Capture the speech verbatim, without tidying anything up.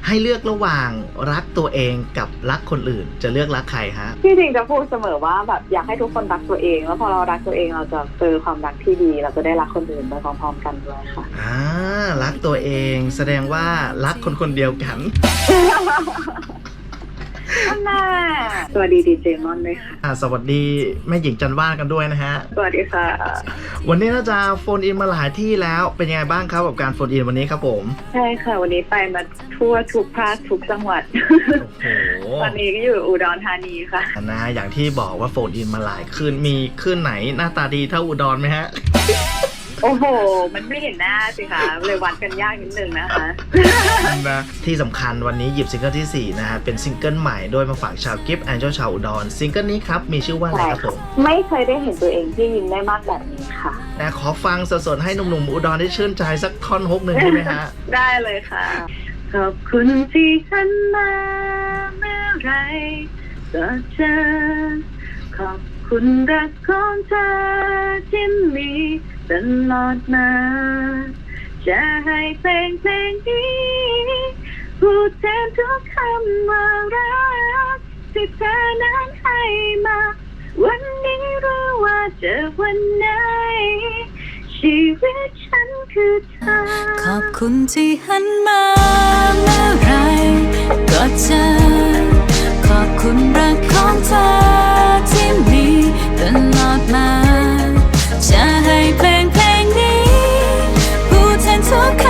ให้เลือกระหว่างรักตัวเองกับรักคนอื่นจะเลือกรักใครฮะที่จริงจะพูดเสมอว่าแบบอยากให้ทุกคนรักตัวเองแล้วพอเรารักตัวเองเราจะเจอความรักที่ดีเราจะได้รักคนอื่นไปพร้อมๆกันด้วยค่ะอ่ารักตัวเองแสดงว่ารักคนคนเดียวกันน่าสวัสดีดีเจมอนด้วยค่ะอ่าสวัสดีแม่หญิงจันว่านกันด้วยนะฮะสวัสดีค่ะวันนี้น่าจะโฟนอินมาหลายที่แล้วเป็นยังไงบ้างครับกับการโฟนอินวันนี้ครับผมใช่ค่ะวันนี้ไปมาทั่วทุกภาคทุกจังหวัดโอ้โหตอนนี้ก็อยู่อุดรธานีค่ะนะอย่างที่บอกว่าโฟนอินมาหลายคืนมีคืนไหนหน้าตาดีเท่าอุดรไหมฮะโอ้โหมันไม่เห็นหน้าสิคะเลยวัดกันยากนิดนึงนะคะนะที่สำคัญวันนี้หยิบซิงเกิลที่สี่นะฮะเป็นซิงเกิลใหม่โดยมาฝากชาวกิฟต์แอนเจลชาวอุดรซิงเกิลนี้ครับมีชื่อว่าอะไรครับผมไม่เคยได้เห็นตัวเองที่ยิ้มได้มากแบบนี้ค่ะนะขอฟังสดๆให้หนุ่มๆอุดรได้ชื่นใจสักท่อนฮุกหนึ่งได้ไหมฮะได้เลยค่ะขอบคุณที่ฉันมาเมื่อไรก็เจอขอบคุณรักของเธอที่มีตลอดมาจะให้เพลงเพลงนี้พูดแทนทุกคำว่ารักที่เธอนั้นให้มาวันนี้รู้ว่าจะวันไหนชีวิตฉันคือเธอขอบคุณที่หันมาเมื่อไรก็เจอขอบคุณรักของเธอที่มีตลอดมาจะให้เพลงเพลงนี้พูดแทนทุกค